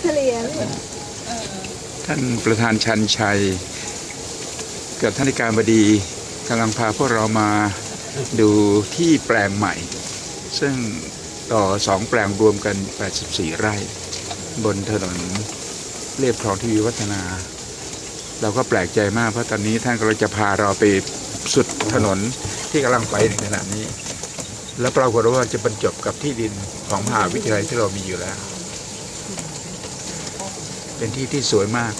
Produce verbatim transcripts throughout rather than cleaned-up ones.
ลียท่านประธานชันชัยกับท่านอธิการบดีกำลังพาพวกเรามาดูที่แปลงใหม่ซึ่งต่อสองแปลงรวมกันแปดสิบสี่ไร่บนถนนเรียบคลองทวีวัฒนาเราก็แปลกใจมากเพราะตอนนี้ท่านกำลังจะพาเราไปสุดถนนที่กำลังไปในขณะนี้แล้วปรากฏว่าจะบรรจบกับที่ดินของมหาวิทยาลัยที่เรามีอยู่แล้วเป็นที่ที่สวยมาก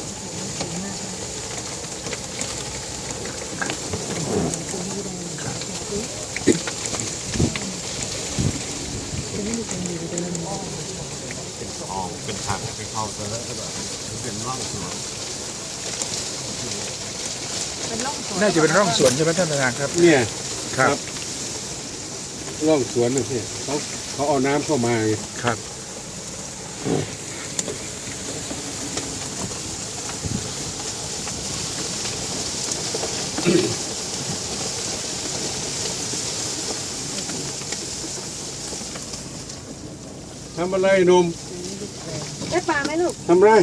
เป็นทางไปเข้าไปแล้วก็แบบเป็นร่องสวนน่าจะเป็นร่องสวนใช่ไหมท่านประธานครับเนี่ยครับร่องสวนนะพี่เขาเขาเอาน้ำเข้ามาครับทำอะไรหนุ่มได้ปลาไหมลูกทำไร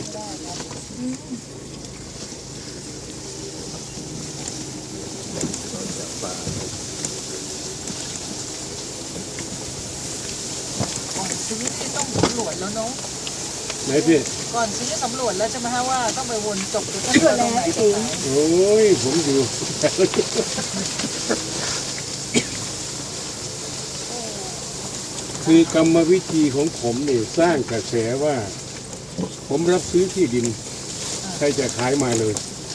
ซื้อที่ต้องสำรวจแล้วเนาะไหนพี่ก่อนซื้อสำรวจแล้วใช่ไหมฮะว่าต้องไปวนจบดูที่ตรงไหนที่โอ้ยผมอยู่คือกรรมวิธีของผมเนี่ยสร้างกระแสว่าผมรับซื้อที่ดินใครจะขายมาเลย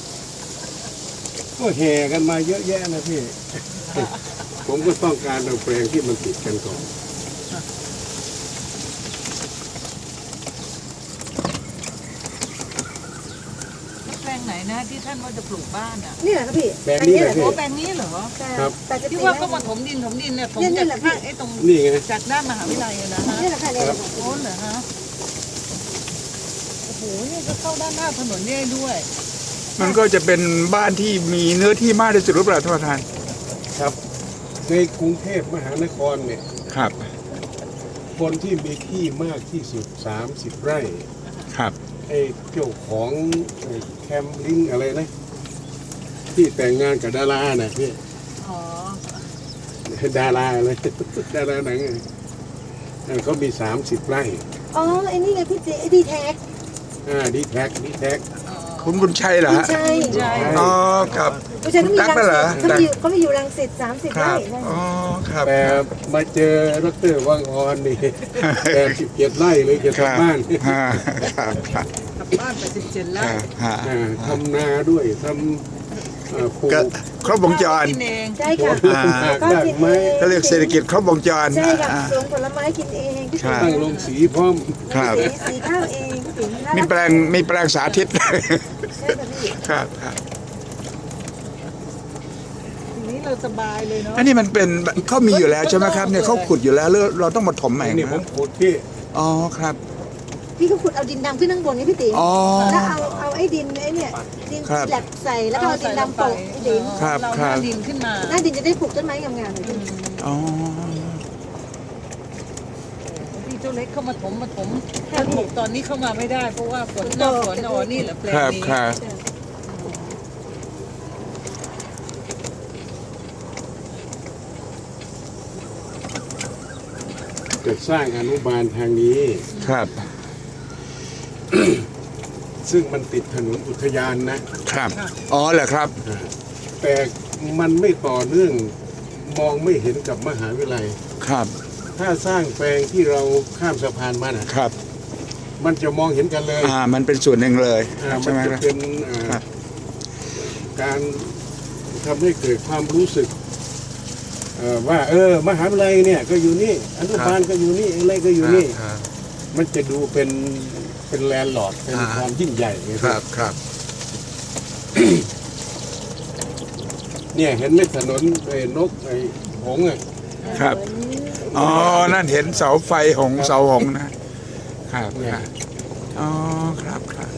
ก็แห่กันมาเยอะแยะนะพี่ผมก็ต้องการเอาแปลงที่มันติดกันก่อนแปลงไหนนะที่ท่านว่าจะปลูกบ้านอ่ะนี่แหละครับพี่แปลงนี้แหละพี่แปลงนี้เหรอครับที่ว่าก็มาถมดินถมดินเนี่ยถมจากข้างไอ้ตรงนี่ไงจากด้านมหาวิทยาลัยนะฮะนี่แหละค่ะเลยโอ้เหรอฮะโอ้โหนี่ก็เข้าด้านหน้าถนนนี่ด้วยมันก็จะเป็นบ้านที่มีเนื้อที่มากที่สุดหรือเปล่าท่านประธานครับในกรุงเทพมหานครเนี่ยครับคนที่มีที่มากที่สุดสามสิบไร่ครับไอ้เจ้าของแคมลิงอะไรนะที่แต่งงานกับดาราน่ะพี่อ๋อดาราอะไรดาราหนังเขามีสามสิบไร่อ๋อไอ้นี่ไงพี่เจดีแท็กอ่าดีแท็กดีแท็กคุณบุญชัยเหรอฮะใช่ใช่อ๋อครับบุญชัยเขามีรังสิตเขามีเขามีอยู่รังสิตสามสิบไร่อ๋อครับแต่มาเจอดร.วังออนนี่แปดสิบเจ็ดไร่เลยจะทำบ้านครับครับบ้านแปดสิบเจ็ดไร่ทำนาด้วยทำปลูกครบวงจรใช่ค่ะก็กินเองเขาเรียกเศรษฐกิจครบวงจรใช่ค่ะสวนผลไม้กินเองตั้งโรงสีพร้อมสีสีข้าวเองมีแปลงมีแปลงสาธิตครับครับนี้เราสบายเลยเนาะอันนี้มันเป็นเขามีอยู่แล้วใช่ไหมครับเนี่ยเขาขุดอยู่แล้วเราต้องมาถมใหม่นี่ผมขุดพี่อ๋อครับพี่ก็ขุดเอาดินดำขึ้นข้างบนนี่พี่ติ๋มแล้วเอาเอาไอ้ดินไอ้เนี่ยดินแหลกใส่แล้วก็เอาดินดำโปะดินครับครับดินขึ้นมาหน้าดินจะได้ปลูกต้นไม้งามๆเลยอ๋อพี่เจ้าเล็กเข้ามาถมมาถมถ้าถมตอนนี้เข้ามาไม่ได้เพราะว่าฝนหน้าฝนอ๋อนี่แหละแปลงนี้เกิดสร้างอนุบาลทางนี้ครับซึ่งมันติดถนนอุทยานนะครับอ๋อเหรอครับแต่มันไม่ต่อเนื่องมองไม่เห็นกับมหาวิทยาลัยครับถ้าสร้างแปลงที่เราข้ามสะพานมานะครับมันจะมองเห็นกันเลยอ่ามันเป็นส่วนหนึ่งเลยใช่ไหมครับเป็นการทำให้เกิดความรู้สึกว่าเออมหาวิทยาลัยเนี่ยก็อยู่นี่อนุบาลก็อยู่นี่อะไรก็อยู่นี่มันจะดูเป็นเป็นแลนด์ลอร์ดเป็นความยิ่งใหญ่ครับครับเนี่ยเห็นไหมถนนไอ้นกไอ้หงส์อ่ะครับอ๋อนั่นเห็นเสาไฟหงเสาหงนะครับอ๋อครับครับ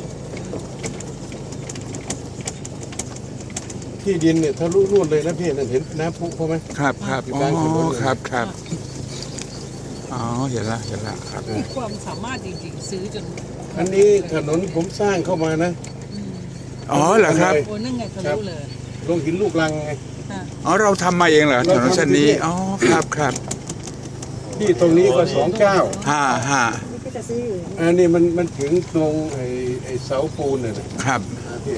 ที่ดินเนี่ยทะลุนู่นเลยนะพี่นั่นเห็นน้ำพุเขาไหมครับครับอ๋อครับครับอ๋อเห็นละเห็นละครับมีความสามารถจริงๆซื้อจนอันนี้ถนนผมสร้างเข้ามานะอ๋อเหรอครับโอ้นั่นไงทะลุเลยลงหินลูกลังไงค่ะอ๋อเราทำมาเองเหรอถนนเส้นนี้อ๋อครับครับที่ตรงนี้ก็สองเก้าฮ่าฮ่านี่ก็จะซื้ออยู่อันนี้มันมันถึงตรงไอ้ไอ้เสาปูนน่ะนะครับ ที่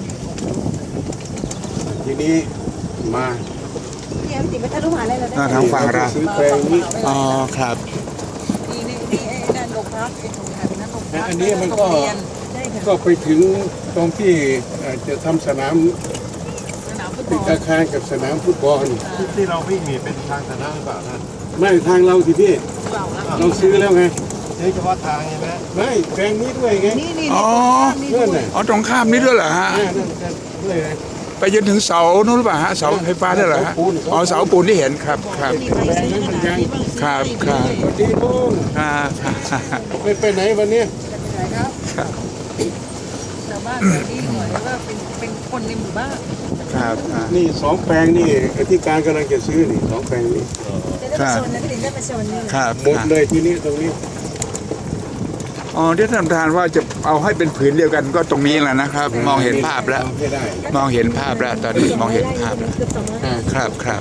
ทีนี้มาเนี่ยพี่ติ๋มไปทะลุมหาอะไรเราได้อ่าทางฝั่งเราซื้อแปลงนี้อ๋อครับนี่นี่นี่ไอ้นั่นโรงพักไอ้ตรงไหนนั่นโรงพักอันนี้มันก็โรงเรียนได้ค่ะก็ไปถึงตรงที่เอ่อจะทำสนามสนามฟุตบติอดลอาคารกับสนามฟุตบอลที่ที่เราวิ่งนี่เป็นทางสาธารณะหรือเปล่าท่านไม่ทางเราสิพี่เราละเราซื้อแล้วไงใช้เฉพาะทางใช่ไหมไม่แปลงนี้ด้วยไงนี่นี่อ๋อนี่เพื่อนน่ะอ๋อตรงข้ามนี้ด้วยเหรอฮะอ่านั่นกันด้วยไงไปจนถึงเสานู้นหรือเปล่าฮะเสาไฟฟ้าได้เหรอฮะเสาปูนอ๋อเสาปูนที่เห็นครับครับนี่ไปซื้อขนาดนี้บ้างครับครับสวัสดีลุงอ่าไม่ไปไหนวันเนี้ยครับครับชาวบ้านแถวนี้หน่อยว่าเป็นเป็นคนในหมู่บ้านครับอ่านี่สองแปลงนี่ที่การกำลังจะซื้อนี่สองแปลงนี่จะได้ไปชนนะพี่ติ๋มได้ไปชนนี่ครับหมดเลยที่นี่ตรงนี้อ๋อที่ท่านประธานว่าจะเอาให้เป็นผืนเดียวกันก็ตรงนี้แหละนะครับ มองเห็นภาพแล้วเอให้ได้มองเห็นภาพแล้วตอนนี้มองเห็นภาพแล้วเกือบสองร้อยอ่าครับครับ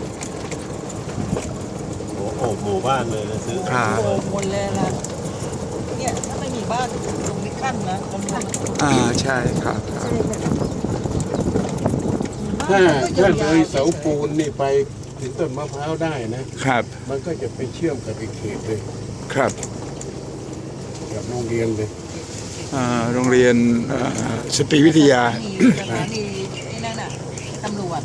โอ้โหหมู่บ้านเลยนะซื้อครับโอ้หมดเลยล่ะเนี่ยถ้าไม่มีบ้านตรงนี้ขั้นนะตรงนี้อ่าใช่ครับครับถ้าถ้าเลยเสาปูนนี่ไปถึงต้นมะพร้าวได้นะครับมันก็จะไปเชื่อมกับอีกเขตเลยครับกับโรงเรียนเลยอ่าโรงเรียนเอ่อสตรีวิทยามีสถานีไอ้นั่นน่ะตำรวจ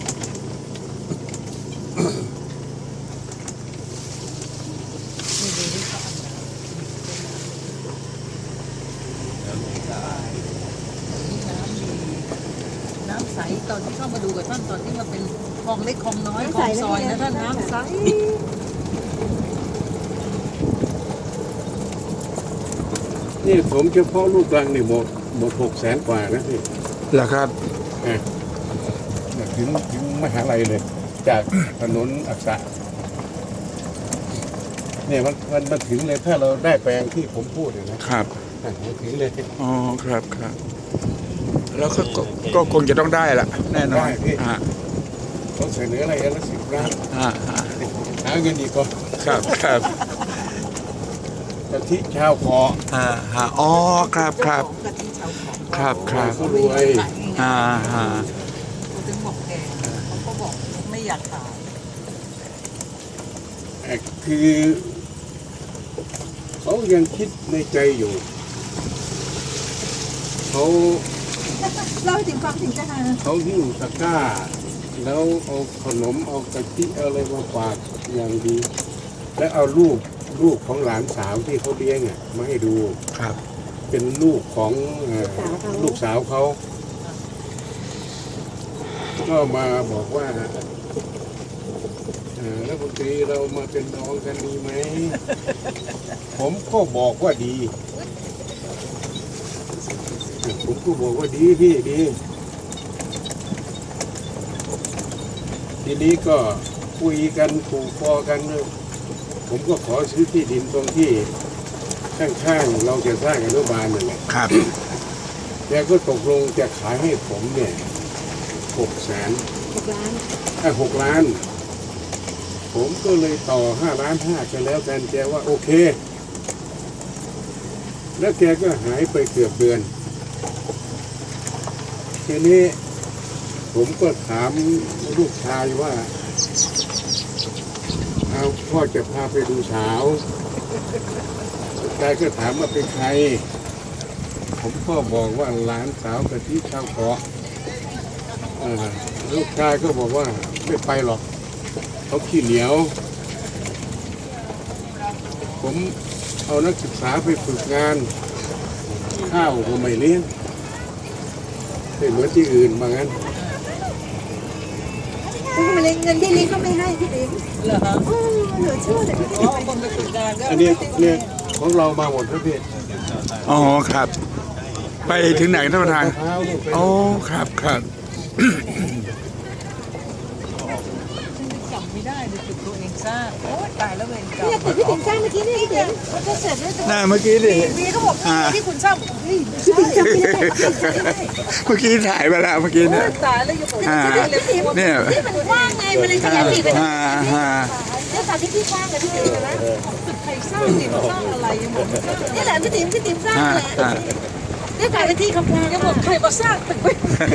นี่ดูดิเขาทำอะไรน้ำดีน้ำใสตอนที่เข้ามาดูกับท่านตอนที่มาเป็นคลองเล็กคลองน้อยคลองซอยนะท่านน้ำใสนี่ผมเฉพาะลูกรังนี่หมดหมดหกแสนกว่านะพี่เหรอครับอ่ะถึงถึงมหาลัยเลย จากถนนอักษะเนี่ยมันมันมันถึงเลยถ้าเราได้แปลงที่ผมพูดเนี่ยนะครับ อ่ะมันถึงเลยอ๋อครับครับแล้วก็ก็ก็คงจะต้องได้ละแน่นอนอ่าเขาเสนออะไรกันละสิบล้านอ่าอ่าหาเงินอีกก็ครับครับกะทิชาวเกาะอ่าฮะอ๋อครับครับกะทิชาวเขาครับครับผู้รวยอ่าฮะเขาถึงบอกแกเขาก็บอกไม่อยากขายเอ่อคือเขายังคิดในใจอยู่เขาเล่าให้ติ๋มฟังถึงจะหาเขาหิ้วตะกร้า แล้วเอาขนมเอากะทิเอาอะไรมาฝากอย่างดี แล้วเอารูปลูกของหลานสาวที่เขาเลี้ยงอ่ะมาให้ดูครับเป็นลูกของเอ่อลูกสาวเขาก็มาบอกว่าเอ่อรัฐมนตรีเรามาเป็นน้องกันดีไหม ผมก็บอกว่าดี ผมก็บอกว่าดีพี่ดี ทีนี้ก็คุยกันถูกคอกัน ผมก็ขอซื้อที่ดินตรงที่ข้างๆเราจะสร้างอนุบาลนั่นแหละครับแกก็ตกลงจะขายให้ผมเนี่ยหกแสนหกล้านอ่ะหกล้าน ผมก็เลยต่อห้าล้านห้ากันแล้วกันแกว่าโอเค แล้วแกก็หายไปเกือบเดือนทีนี้ผมก็ถามลูกชายว่าเอาพ่อจะพาไปดูสาวลูกชายก็ถามว่าเป็นใคร ผมก็บอกว่าหลานสาวกะทิชาวเกาะอ่าลูกชายก็บอกว่าไม่ไปหรอกเขาขี้เหนียว ผมเอานักศึกษาไปฝึกงาน ข้าวก็ไม่เลี้ยงไม่เหมือนที่อื่นบางงั้นเขาก็ไม่เลี้ยงเงินที่เลี้ยงก็ไม่ให้พี่ติ๋มเหรอฮะโอ้เหลือเชื่อเลยพี่อ๋ติ๋อมคนไปฝึกงานก็อันนี้เนี่ยของเรามาหมดครับพี่อ๋อครับ ไปถึงไหนท่านประธานมะพร้าวลูกไปอ๋อครับครับจำไม่ได้เลยฝึกตัวเองสสร้างโอ้ยตายแล้วเวรกรรเนี่ยมแต่พี่ติ๋มสร้างเมื่อกี้เนี่ยพี่ติ๋มมันก็เสร็จแล้วน่าเมื่อกี้ดิวีเขาบอกนี่ที่คุณสร้างเฮ้ยพี่ติ๋มจำไม่ได้เมื่อกี้ถ่ายไปแล้วเมื่อกี้โอ้เนี่ยยตายแล้วอยู่ผมอ่าจะได้เลยพี่เนี่ยที่มันกว้างไงมันเลยขยายปีกไปฮ่าฮ่าเนี่ยตอนที่พี่สร้างเลยพี่ติ๋มเห็นไหมใครสร้างนี่มาสร้างอะไรยังหมดสร้างนี่แหละพี่ติ๋มพี่ติ๋มสร้างฮ่าแหละฮ่าเนี่ยกลายเป็นที่คำพูดยังหมดใครมาสร้างตึกไว้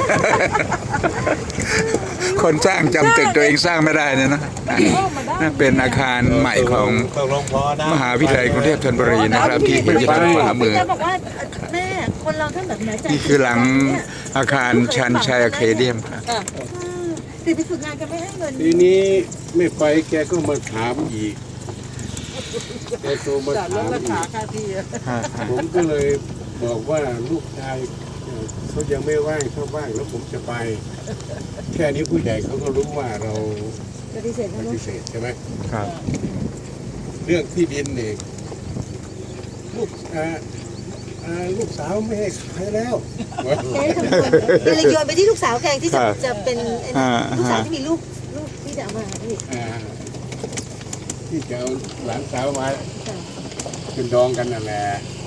คนสร้างจำตึกตัวเองสร้างไม่ได้เนี่ยนะนั่นเป็นอาคารใหม่ของตกลงพอนะมหาวิทยาลัยกรุงเทพธนบุรีนะครับที่อยู่ทางขวามือจะบอกว่าแม่คนเราถ้าแบบไหนใจนี่คือหลังอาคารชันชัยอะเคเดียมครับติดไปฝึกงานกันไม่ให้เงินทีนี้ไม่ไปแกก็มาถามอีกแกโทรมาจัดลถาดมราอีคาก ค่าที่ฮ่าฮ่าผมก็เลยบอกว่าลูกชายเอ่อเขายังไม่ว่างเขาว่างแล้วผมจะไป แค่นี้ผู้ใหญ่เขาก็รู้ว่าเราปฏิเสธปนะลูฏิกเสธใช่ไหมครับเรื่องที่ดินเนี่ยลูกอ่าอ่าลูกสาวไม่ให้ขายแล้วแกทำคนเป็นเลยโยนไปที่ลูกสาวแกที่จะจะเป็นอ่าลูกสาวฮะที่มีลูกลูกที่จะเอามาพี่อ่าที่จะเอาหลานสาวมาเป็นดองกันนั่นแหละ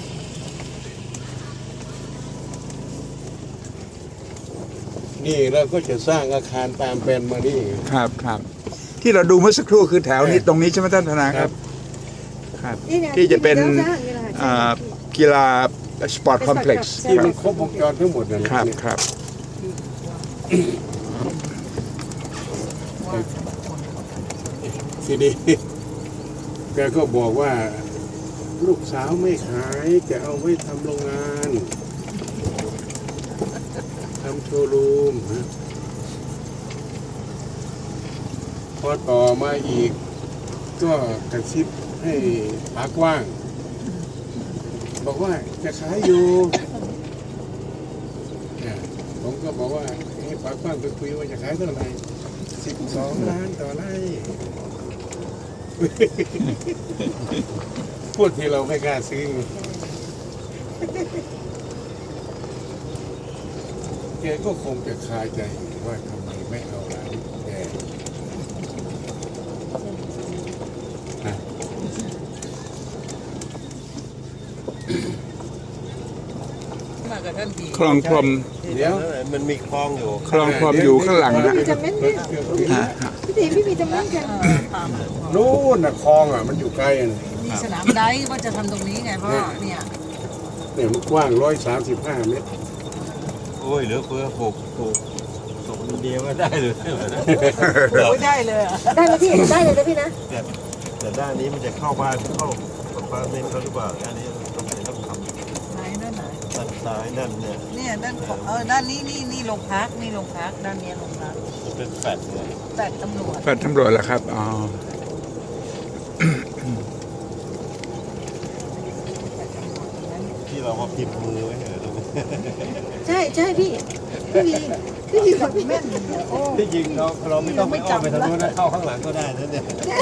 นี่เราก็จะสร้างอาคารตามแปลนมานี่ครับครับ ที่เราดูเมื่อสักครู่คือแถวนี้ตรงนี้ใช่ไหมท่านธนาครับ ครับนี่ไงที่จะเป็นที่ราสร้างนี่แหละอ่ากีฬาสปอร์ตคอมเพล็กซ์ที่มันครบวงจรทั้งหมดนั่นแหละครับเนี่ยครับทีนี้ แกก็บอกว่า ลูกสาวไม่ขายจะเอาไว้ทำโรงงานทำโชว์รูมฮะพอต่อมาอีก ก็กระซิบให้ปากว้าง บอกว่าจะขายอยู่เนี่ยผมก็บอกว่าให้ปากว้างไปคุยว่าจะขายเท่าไหร่สิบสองล้านต่อไร่ พูดที่เราไม่กล้าซื้อแกก็คงจะคาใจอยู่ว่าทำไมไม่เอาร้านแกนะมากับท่านดีคลองพรมเดี๋ยวมันมีคลองอยู่คลองพรมอยู่ข้างหลังนะมีจำเม้นเนี่ยฮะพี่ติ๋มพี่มีจำเม้นกันนู่นน่ะคลองอ่ะมันอยู่ไกลอ่ะมีสนามไดฟ์ว่าจะทำตรงนี้ไงพ่อเนี่ยเนี่ยมันกว้างร้อยสามสิบห้าเมตรโอ้ยเหลือเฟือปลูกปลูกสองเดียวก็ได้เลยโอ้ยได้เลยอ่ะได้ไหมพี่ได้เลยนะพี่นะแต่แต่ด้านนี้มันจะเข้าบ้านเข้าบ้านเล่นเขาหรือเปล่าด้านนี้ต้องต้องทำไหนด้านไหนด้านซ้ายนั่นเนี่ยเนี่ยด้านของเออด้านนี้นี่นี่โรงพักนี่โรงพักด้านเนี้ยโรงพักมันเป็นแฟดเนี่ยแฟลตตำรวจแฟดตำรวจเหรอครับ อ๋อที่เรามาพิมพ์มือไว้เหรอตรงนี้ใช่ใช่พี่พี่มีพี่มีคนแม่นที่จริงเราเราไม่ต้องไปอ้อมไปทางโน้นนะเข้าข้างหลังก็ได้นะเนี่ย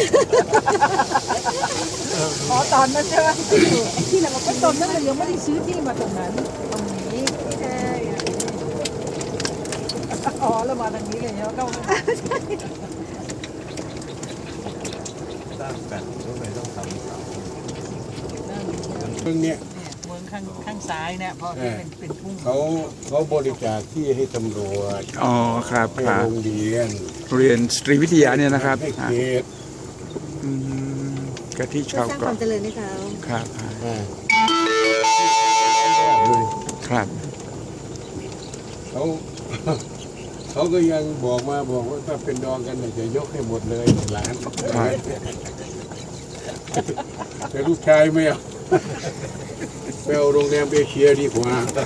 อ๋อตอนนั้นใช่ไหมที่เราก็ตอนนั้นเรายังไม่ได้ซื้อที่มาตรงนั้นตรงนี้ใช่อ๋อแล้วมาทางนี้เลยเนาะก็สร้างแฟดก็เลยต้องทำเรื่องเนี้ยเมืองข้างข้างซ้ายเนี่ยเพราะที่เป็นเป็นทุ่งเขาเขาบริจาคที่ให้ตำรวจอ๋อ ครับให้ครับโรงเรียนเรียนสตรีวิทยาเนี่ยนะครับให้อ่ะเขตอืมกะทิเพื่อชาวสร้างคเกาะวามเจริญให้เขาครับอ่ะอ่าครับเขา เขาก็ยังบอกมาบอกว่าถ้าเป็นดองกันเนี่ยจะยกให้หมดเลยหลานครับแต่ลูกชายไม่เอา ไปเอาโรงแรมเอเชียดีกว่า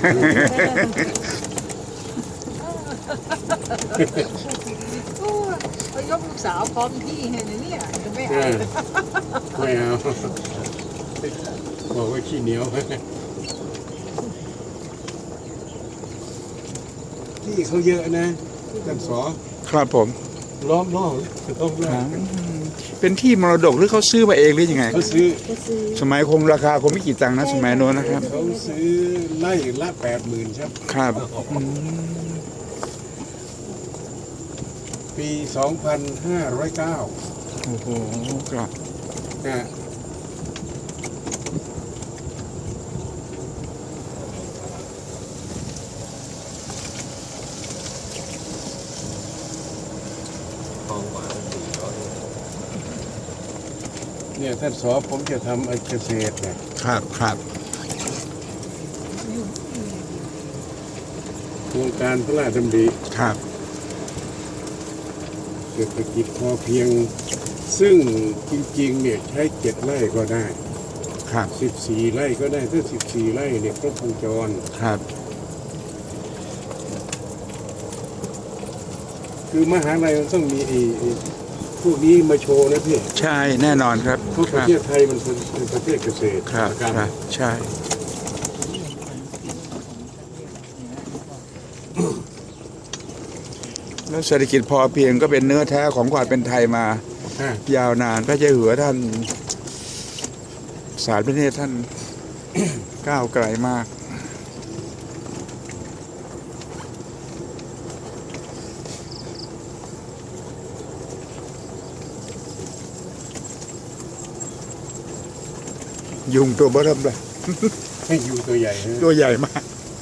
โอ้ยไปยกลูกสาวพร้อมที่ให้เนี่ยจะไม่เอเอาอไม่เอา บอกว่าขี้เหนียว ที่เขาเยอะนะท่านสอครับผมล้อมรอบล้อมรออ่าบเป็นที่มรดกหรือเขาซื้อมาเองหรือยังไงเขาซื้อก็ซื้อสมัยคงราคาคงไม่กี่ตังค์นะสมัยโน้นนะครับเขาซื้อไล่ละแปดหมื่นครับครับอืมปีสองพันห้าร้อยเก้าโอ้โหครับอ่าทองกว่าสี่ร้อยเนี่ยท่านสอผมจะทำไอ้เกษตรเนี่ยครับครับโครงการพระราชดำริครับเศรษฐกิจพอเพียง ซึ่งจริงๆเนี่ยใช้เจ็ดไร่ก็ได้ครับสิบสี่ไร่ก็ได้ถ้าสิบสี่ไร่เนี่ยครบวงจรครับคือมหาลัยมันต้องมีไอ้ไอ้พวกนี้มาโชว์นะพี่ใช่แน่นอนครับเพราะคประรับเทศไทยมันเป็นเป็นประเทศเกษตรครับกรรมครับใช่แล้วเศรษฐกิจพอเพียงก็เป็นเนื้อแท้ของความเป็นไทยมาอ่ะยาวนานพระเจ้าอยู่หัวท่าน สารพระเนตรท่าน ก้าวไกลมาก ยุงตัวเบ้อเริ่มเลยให้อยู่ตัวใหญ่นะตัวใหญ่มาก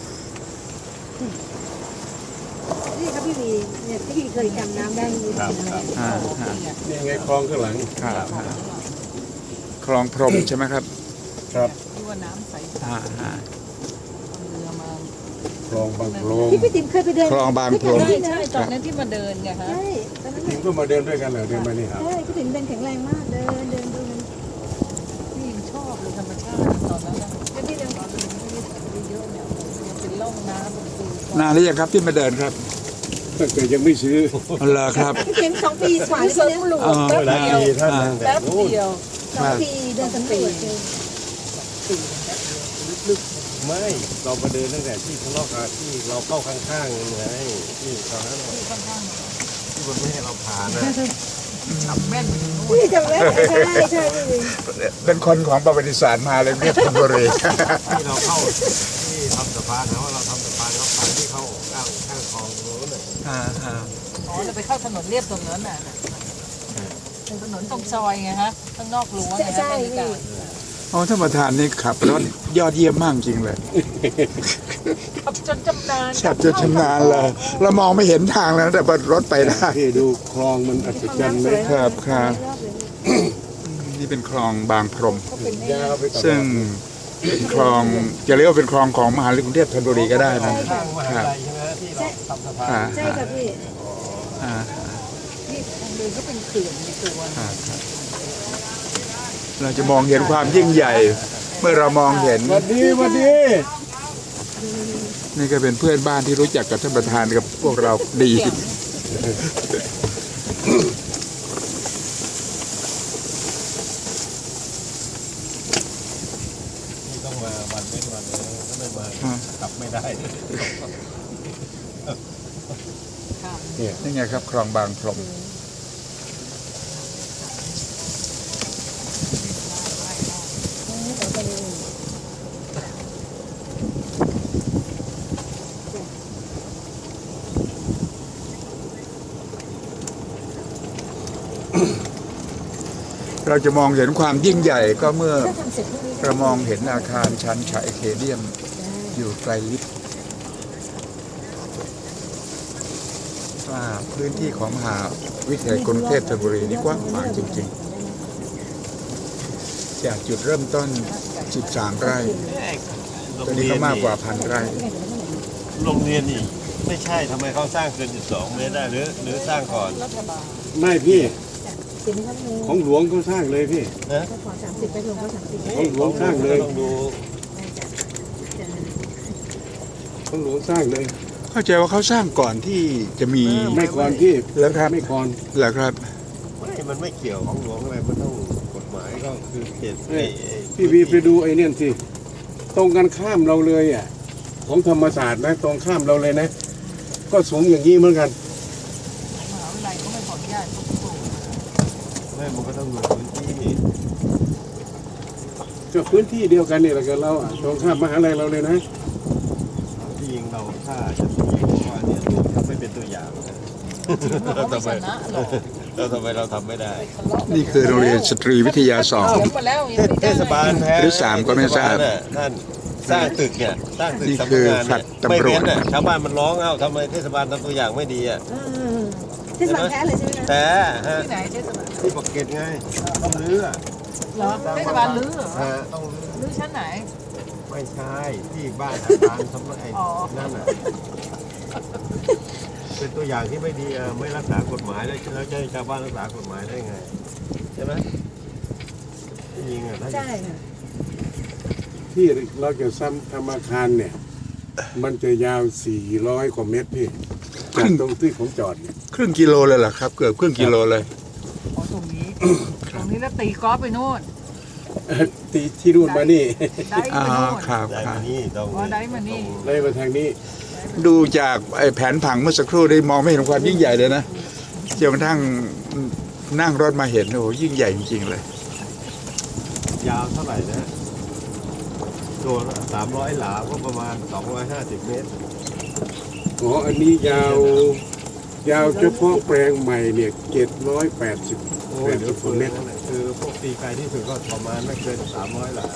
นี่ครับพี่วีเนี่ยพี่วีเคยจำน้ำได้ไหมครับครับอ่าฮะนี่ไงคลองข้างหลังครับฮะคลองพรหมใช่ไหมครับครับที่ว่าน้ำใสอ่าฮะเรือมาคลองบางโพรงที่พี่ติ๋มเคยไปเดินคลองบางโพรงใช่ใช่ตอนนั้นที่มาเดินไงฮะใช่ตอนนั้นทีมก็มาเดินด้วยกันเหรอเดินมานี่ครับใช่พี่ติ๋มเดินแข็งแรงมากเดินเดินดูมันพี่ยังชอบเลยธรรมชาติตอนนั้นนะแล้วพี่เดินตอนเดินไม่ได้ถ่ายเยอะเนี่ยมันเป็นร่องน้ำเป็นปูนานหรือยังครับที่มาเดินครับตั้งแต่ยังไม่ซื้อเหรอครับพี่ติ๋มสองปีกว่าที่ที่สเนี่ยำรวจอ๋อแป๊บหลายเดียวปีท่านตั้งแต่แป๊บนู้นเดียวสองปีเดินสำรวจเจอสี่แป๊บเดียวลึกไม่เรามาเดินตั้งแต่ที่ข้างนอกอะที่เราเข้าข้างๆไงที่ตอนนั้นๆที่ข้างที่มันไม่ให้เราผ่านนะๆจับแม่นไปถึงนู่นพี่จำได้ใช่ใช่พี่วีเป็นคนของประวัติศาสตร์มาเลยเรียกธนบุรีที่เราเข้าที่ทำสะพานนะว่าเราทำสะพานเราผ่านที่เข้าข้างข้างคลองโน้นเลยอ่าฮะอ๋อเราไปเข้าถนนเรียบตรงนั้นน่ะเป็นถนนตรงซอยไงฮะข้างนอกรั้วไงฮะใช่นาฬิพี่กาอ๋อท่านประธานนี่ขับรถยอดเยี่ยมมากจริงเลยขับจนจำนานขับจนชำนาญเลยเรามองไม่เห็นทางแล้วแต่รถไปได้พี่ดูคลองมันอัศจรรย์ไหมครับครับรอบเลยนี่เป็นคลองบางพรหมเขาเป็นไอ้ยาวไปตลอดซึ่งเป็นคลองจะเรียกว่าเป็นคลองของมหาวิทยาลัยกรุงเทพธนบุรีก็ได้นะข้างมหาลัยใช่ไหมที่เราทำสะพานอ่าใช่ค่ะพี่อ่าที่ทางเดินก็เป็นเขื่อนในตัวอ่าครับเราจะมองเห็นความยิ่งใหญ่ เมื่อเรามองเห็นสวัสดีสวัสดีนี่ก็เป็นเพื่อนบ้านที่รู้จักกับท่านประธานกับพวกเราดีที่ต้องมาวันเว้นวันเลยถ้าไม่มากลับไม่ได้ค่ะนี่ไงครับคลองบางพรหม เราจะมองเห็นความยิ่งใหญ่ก็เมื่อถ้าทำเสร็จพรุ่งนี้เรามองเห็นอาคารชันชัยเคเดียมอยู่ไกลลิบว่าพื้นที่ของมหาวิทยาลัยกรุงเทพธนบุรีนี่กว้างขวางจริงๆ จากจุดเริ่มต้น สิบสาม ไร่ตอนนี้ก็มากกว่าพันไร่โรงเรียนนี่ไม่ใช่ทำไมเขาสร้างเกินสิบสองเมตรได้หรือหรือสร้างก่อนรัฐบาลไม่พี่เสร็จไหมครับลุงของหลวงเขาสร้างเลยพี่นะก็ขอสามสิบไปลงก็สามสิบของหลวงสร้างเลยต้องดูของหลวงสร้างเลยเข้าใจว่าเขาสร้างก่อนที่จะมีไม่ก่อนพี่แล้วครับไม่ก่อนเหรอครับไม่มันไม่เกี่ยวของหลวงอะไรมันต้องกฎหมายก็คือเขตเอ้ยไอ้ไอ้พี่วีไปดูไอ้เนี่ยสิตรงกันข้ามเราเลยอ่ะของธรรมศาสตร์นะตรงข้ามเราเลยนะ ก็สูงอย่างนี้เหมือนกันมหาวิทยาลัยก็ไม่ขออนุญาตเขาปลูกไม่มันก็ต้องดูพื้นที่ก็พื้นที่เดียวกันนี่แหละกับเราอ่ะตรงข้ามมหาลัยเราเลยนะที่ยิงเราถ้าจะมีว่าเนี่ยถ้าไม่เป็นตัวอย่างนะเราไม่ชนะหรอกเราทำไมเราทำไม่ได้นี่คือโรงเรียนสตรีวิทยาสองเขียนมาแล้วยังไม่ได้เทศบาลแพ้หรือสามก็ไม่ทราบเทศลน่ะท่านสร้างตึกเนี่ยสร้างตึกนี่สำคืนักองานแฟลเนี่ยตไม่ตำรวเว้จนน่ะชาวบ้านมันร้องเอ้าทำไมเทศบาลทำตัวอย่างไม่ดีอ่ะเออเทศบาลแท้เลยใช่ไหมคะแต่ฮะที่ไหนเทศบาลที่ปากเกร็ดไงต้องรื้ออะเหรอเทศบาลลื้อเหรอฮะต้องรื้อลื้อชั้นไหนไม่ใช่ที่บ้านอาจารย์สำนักไอ้อ๋อนั่นน่ะเป็นตัวอย่างที่ไม่ดีอ่ะไม่รักษากฎหมายแล้วแล้วจะให้ชาวบ้านรักษากฎหมายได้ไงใช่ไหมจริงอ่ะถ้าใช่ค่ะที่เราจะซ้ำทำอาคารเนี่ย มันจะยาวสี่ร้อยกว่าเมตรพี่จากตรงที่ผมจอดเนี่ยครึ่งกิโลเลยเหรอครับ เกือบครึ่งกิโลเลยอ๋อตรงนี้ตรงนี้แล้วตีกอล์ฟไปโน่นตีที่นู่นมานี่ได้อ่าไปโน่นครับได้ครัมาบนี่ต้องอ๋อได้มานี่ไล่มาทางนี้ดูจากไอ้แผนผังเมื่อสักครู่ได้มองไม่เห็นความยิ่งใหญ่เลยนะจนกระทั่งนั่งรถมาเห็นโอ้โหยิ่งใหญ่จริงๆเลยยาวเท่าไหร่นะตัวสามร้อยหลาก็ประมาณสองร้อยห้าสิบเมตรอ๋อ อันนี้ยาว ยาวเฉพาะแปลงใหม่เนี่ยเจ็ดร้อยแปดสิบโอ้แปยดเดี๋ยสิวบเฟืนเมนั่ตรนแหละคือพวกตีไกลที่สุดก็ประมาณไม่เกินสามร้อยหลา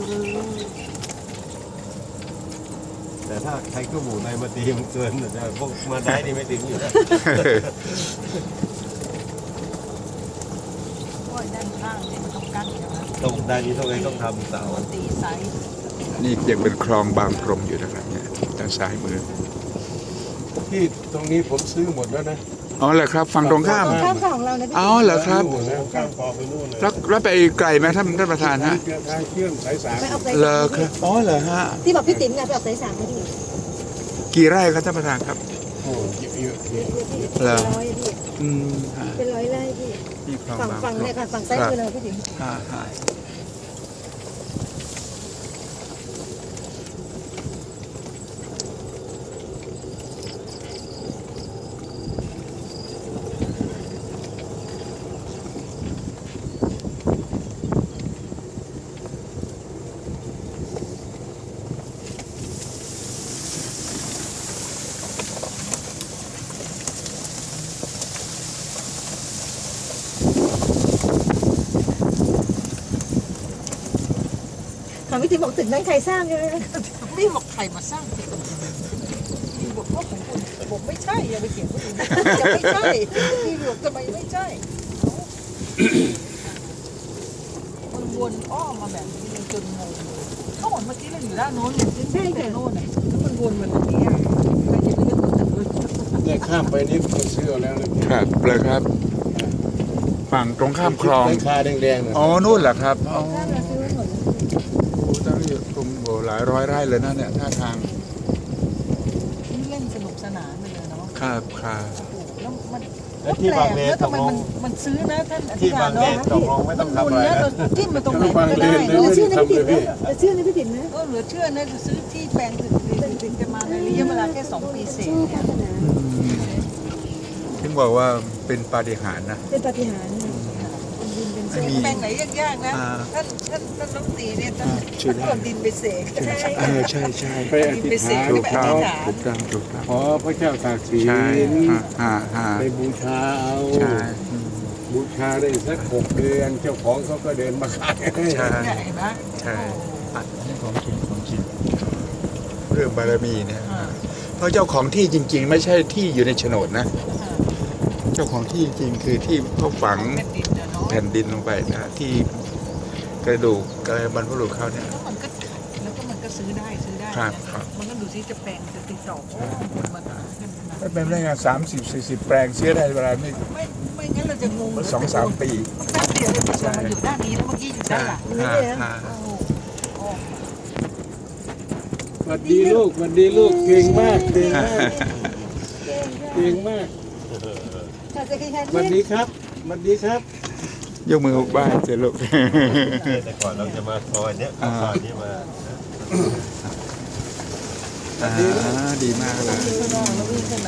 แต่ถ้าใช้เครื่องหมูในมาตีมันเกินแต่พวกมาได้นี่ไม่ถึงอยู่แล้วโอ้ยด้านข้างเนี่ยมันต้องกั้นใช่ไหมตรงด้านนี้ต้องเลยต้องทำเสาตีไซส์นี่ยังเป็นคลองบางพรมอยู่นะครับเนี่ยทางซ้ายมือที่ตรงนี้ผมซื้อหมดแล้วนะอ๋อเหรอครับฝั่งตรงข้ามข้ามของเรานะพี่อ๋อเหรอครับหมดแล้วข้ามคลองไปนู่นเลยแล้วแล้วไปไกลไหมท่านท่านประธานฮะเชื่อทางเชื่อมสายสามไปเอาสายเหรสาอมครับอ๋อเหรอฮะที่บอกพี่ติ๋มไงไปเอาสายสามมาพี่กี่ไร่ครับท่านประธานครับโอ้เยอะเยอะเยอะเหรอเป็นร้อยพี่อืมฮะเป็นร้อยไร่พี่นี่คลองฝั่งบางฝั่งพรเนี่ยมค่ะฝั่งซ้ายมือเราพี่ติ๋มฮะฮะของพี่ติ๋มบอกตึกนั้นใครสร้างใช่ไหมนี่บอกใครมาสร้างตึกนี่บอกว่าของคุณบอกไม่ใช่อย่าไปเขียนคนอื่นจะไม่ใช่นี่บอกทำไมไม่ใช่มันวนอ้อมมาแบบนี้เลยจนงงเลยเขาบอกเมื่อกี้เราอยู่ด้านโน้นเนี่ยขึ้นไปโน่นน่ะแล้วมันวนมาตรงนี้อ่ะใครจะไปเลือกตึกเลยเนี่ยข้ามไปนี่ผมซื้อเอาแล้วนะครับเลยครับ ฝั่งตรงข้ามคลองราคาแดงๆนะอ๋อนู่นเหรอครับอ๋อข้ามเราซื้อไว้หมดแล้วโอ้ตั้งอยู่ตรงโอ้หลายร้อยไร่เลยนะเนี่ยท่าทางนี่เล่นสนุกสนานไปเลยเนาะครับครับแล้วมันแล้วที่บางเลนแล้วตทำกไมลมังนมันซื้อนะท่านอธิที่กาบาร งเลเนาะนตกลงไม่ต้องทำอะไรแล้วนะเราจิ้มมาตรงไหนมันก็ได้บางเลนเนอะเชื่อนะพี่ติ๋มนะเชื่อนะพี่ติ๋มนะเออเหลือเชื่อนะจะซื้อที่แปลงถึงถึงจะมาในระยะเวลาแค่สองปีเศษชอบเนี่ยศาสนาถึงบอกว่าเป็นปาฏิหาริย์นะเป็นปาฏิหาริย์เนี่ยเป็นดินเป็นไม่เส้นมีแปลงไหนยากๆนะอ่าท่านท่านท่านน้องตีเนี่ยท่านอ่าช่วยได้ท่านเอาดินไปเสกเออใช่ใช่ไปอธิษฐานถูกขต้อองถูกต้องถูกต้องขอพระเจ้าตากสินใช่ฮะฮะฮะไปบูชาเอาใช่อืมบูชาได้สักหกเดือนเจ้าของเขาก็เดินมาขายให้ใช่ใหญ่ไหมใช่อัดนี่ของจริงของจริงเรื่องบารมีเนี่ยอ่าเพราะเจ้าของที่จริง ๆ ไม่ใช่ที่อยู่ในโฉนดนะอ่าเจ้าของที่จริงคือที่เขาฝังแผ่นดินเนี่ยเนาะแผ่นดินลงไปนะที่กระดูกกระบรรพบุรุษเขาเนี่ยแล้วมันก็แล้วก็มันก็ซื้อได้ซื้อได้ครับนะครับ มันก็ดูซิจะแปลงจะติดต่อโอ้มันมันขึ้นขนาดถ้าเป็นได้งานสามสิบสี่สิบแปลงเสียได้เวลาไม่ไม่ไม่งั้นเราจะงงสองสามปีแป๊บเดียวเลยจะมาอยู่ด้านนี้แล้วเมื่อกี้อยู่ด้านหลังฮะฮะโอ้โหโอ้สวัสดีลูกสวัสดีลูกเก่งมากเก่งมากเก่งเก่งมากค่ะจะคล้ายๆสวัสดีครับสวัสดีครับยกมือหกบ้านเจลูกแต่ก่อนเราจะมาซอยเนี้ยเข้าซอยนี้มาอ่าดีมากเลยข้างนอกแล้ววิ่งข้างใน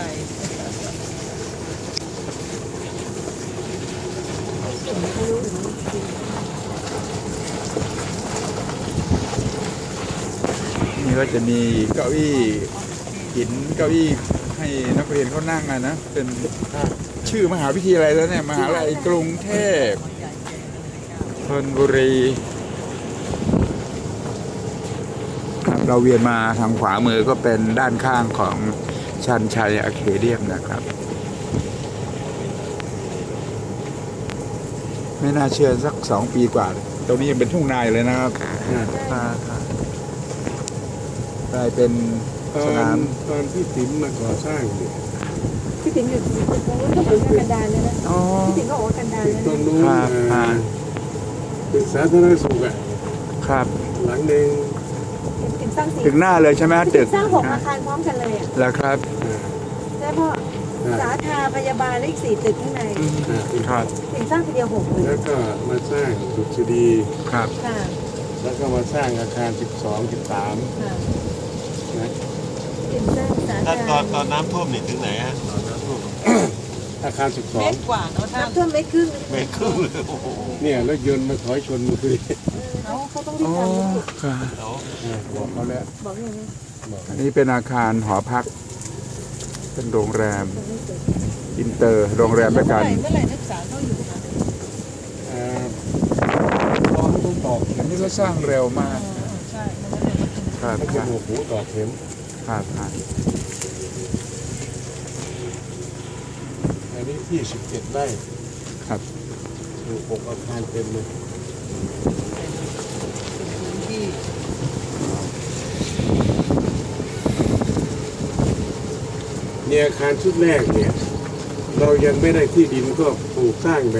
นี่ก็จะมีเก้าอี้หินเก้าอี้ให้นักเรียนเขานั่งอะนะเป็นชื่อมหาวิทยาลัยแล้วเนี่ยมหาวิทยาลัยกรุงเทพธนบุรีครับเราเวียนมาทางขวามือก็เป็นด้านข้างของชันชัยอะเคเดียมนะครับไม่น่าเชื่อสักสองปีกว่าตรงนี้ยังเป็นทุ่งนาอยู่เลยนะครับกลายเป็นตอสนาน มตอนพี่ติ๋มมาก่อสร้างเนี่ยพี่ติ๋มอยู่ตรงนู้นก็เหมือนกันดารเลยนะอ๋อพี่ติ๋มก็บอกว่ากันดารตึกเลยตรงนู้นครับเอ่อตึกสาธารณสุขอ่ะครับหลังหนึ่งติ๋มสร้างสี่ตึกหน้าเลยใช่ไหมตึกสร้างหกอาคารพร้อมกันเลยอ่ะแล้วครับอ่าใช่พ่อสาธาพยาบาลเลขสี่ตึกข้างในอ่าครับติ๋มสร้างทีเดียวหกเลยแล้วก็มาสร้างดุษฎีครับค่ะแล้วก็มาสร้างอาคารสิบสอง สิบสามค่ะนะติ๋มสร้างสาท่านธาตอนตอนน้ำท่วมนี่ถึงไหนฮะตอนน้ำท่วมอาคารสิบสเมองตรกว่าเนาะท่านน้ำท่วมไม่ครึ่งเมตรครึ่งเลยโอ้โหเนี่ยรถยนต์มาถอยชนมือคือเขาเขาต้องรีอ๋บอทำครับแล้วอ่าบอกเขาแล้วบอกอย่างนี้บอกอันนี้เป็นอาคารหอพัก เป็นโรงแรม อินเตอร์ โรงแรมด้วยกันเมื่อไหร่นักศึกษาเข้าอยู่คะอ่ารอให้ต้องตอกอันนี้ก็สร้างเร็วมากใช่มันก็เลยมาถึงครับให้คเป็นรับหัวหูตอกเข็มครับครับอันนี้ที่สิบเจ็ดไร่ครับถูกหกอาคารเต็มเลยพื้นที่เนี่ยอาคารชุดแรกเนี่ย เรายังไม่ได้ที่ดินก็ปลูกสร้างแบบ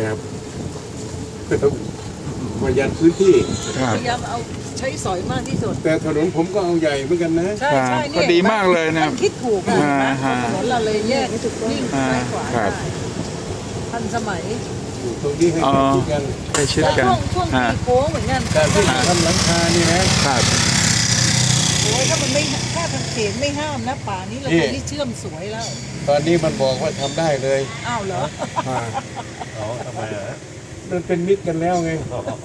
ประหยัดพื้นที่ครับพยายามเอาใช้สอยมากที่สุดแต่ถนนผมก็เอาใหญ่เหมือนกันนะใช่ใช่ก็ดีมากเลยนะท่านคิดถูกนะอ่านะฮะถนนเราเลยแยกวิ่งซ้ายขวาครัได้บทันสมัยปลูกตรงนี้ให้อ๋อใกล้ชิดกันใกล้ชิดแล้วกันช่วงช่วงฮะตีโค้งเหมือนกันการที่ทำหลังคานี่นะครับโอ้ยถ้ามันไม่ถ้าทางเขตไม่ห้ามนะป่านี้เรานี่ไปที่เชื่อมสวยแล้วตอนนี้มันบอกว่าทำได้เลยอ้าวเหรออ่าอ๋อทำไมอ่ะมันเป็นมิตรกันแล้วไง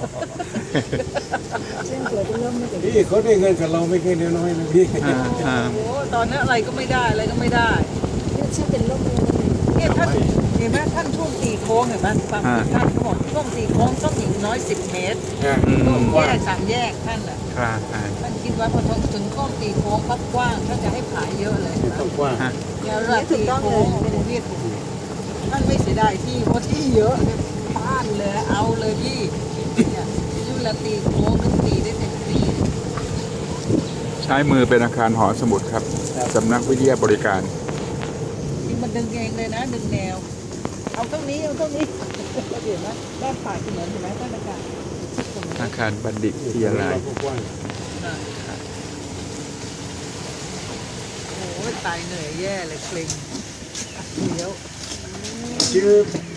เส้นสวยจะเริ่มไม่ถึงพี่เขาได้เงินกับเราไม่แค่น้อยๆนะพี่อ่าอ่าโอ้ตอนนั้นอะไรก็ไม่ได้อะไรก็ไม่ได้เชื่อเป็นร่มเลยเนี่ยท่านเห็นไหมท่านช่วงตีโค้งเห็นไหมบางท่านเขาบอกช่วงตีโค้งต้องอย่างน้อยสิบเมตรอ่าช่วงกแยว้างกสามแยกท่านอ่ะครับอ่าท่านคิดว่าพอถึงช่วงตีโค้งปั๊บกว้างท่านจะให้ผายเยอะเลยที่ต้องกว้างฮะแล้วเวลาตีโค้งโอ้โหพี่ท่านไม่เสียดายที่เพราะที่เยอะเนี่ยบ้านเลยเอาเลยพี่เนี่ยเวลาตีโค้งนึงตีได้เต็มที่ใช้มือเป็นอาคารหอสมุดครับสำนักวิทยาบริการที่มันดึงเองเลยนะดึงแนว เอาเท่านี้เอาเท่านี้เห็นไหมด้านฝ่ายถนนเห็นไหมท่านอากาศอาคารบัณฑิตวิทยาลัยกว้างโอ้ยตายเหนื่อยแย่เลยเกร็งเดี๋ยวชื่อ